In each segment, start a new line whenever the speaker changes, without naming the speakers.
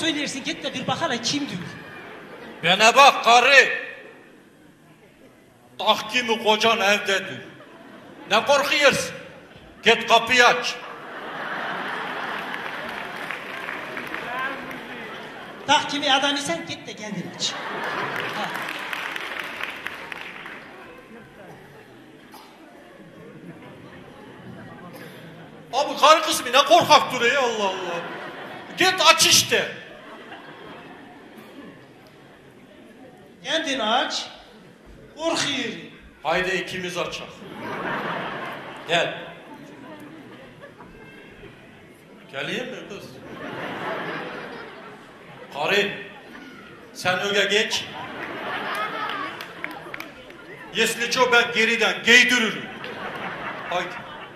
söylersin git de bir bakana kimdir?
Bana bak karı. Tahkimi kocan evdedir. Ne korkuyorsun? Git kapıyı aç.
Tahkimi adam isen git de kendin aç. Ha.
Abi karı kısmı ne korkak duruyor Allah Allah. Git aç işte.
Kendin aç. Korkuyor.
Haydi ikimiz açak. Gel. Geleyim mi kız? Karı, sen öge geç. Yesliço ben geriden giydiririm. Haydi.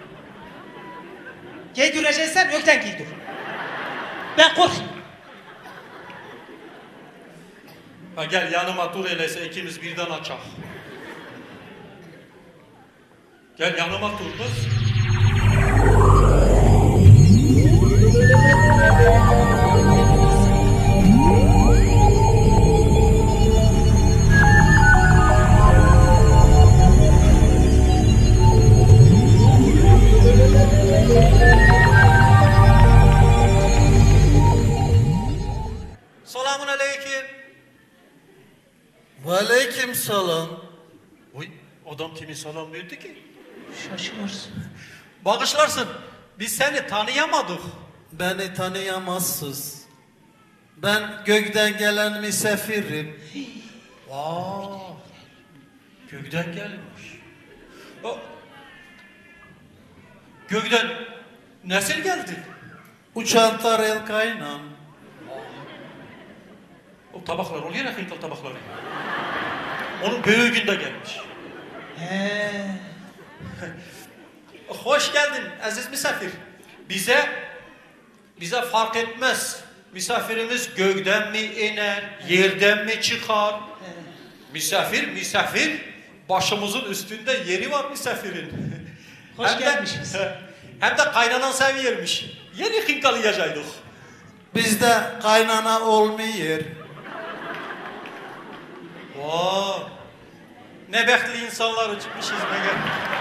Giydireceksen ökten giydir. Ben korkuyorum.
Ha gel yanıma dur öyleyse ikimiz birden açak. Gel yanıma dur kız. Selamun aleyküm.
Aleyküm selam.
Oy adam kimi selam verdi ki?
Şaşırırsın.
Bağışlarsın. Biz seni tanıyamadık.
Beni tanıyamazsınız. Ben gökten gelen misafirim.
Aa, gökten gelmiş. O, gökten nasıl geldi?
Uçan tarel kaynan.
O tabaklar oluyor ya hıntal tabakları. Onun büyüğünde gelmiş.
He.
Hoş geldin aziz misafir. Bize fark etmez. Misafirimiz gökten mi iner, yerden mi çıkar? Misafir. Başımızın üstünde yeri var misafirin.
Hoş gelmişiz.
Hem de kaynanan seviyormuş. Yeni hınkalayacaktık.
Bizde kaynana olmuyor.
Oo. Ne bekli insanlar çıkmışız ne gel.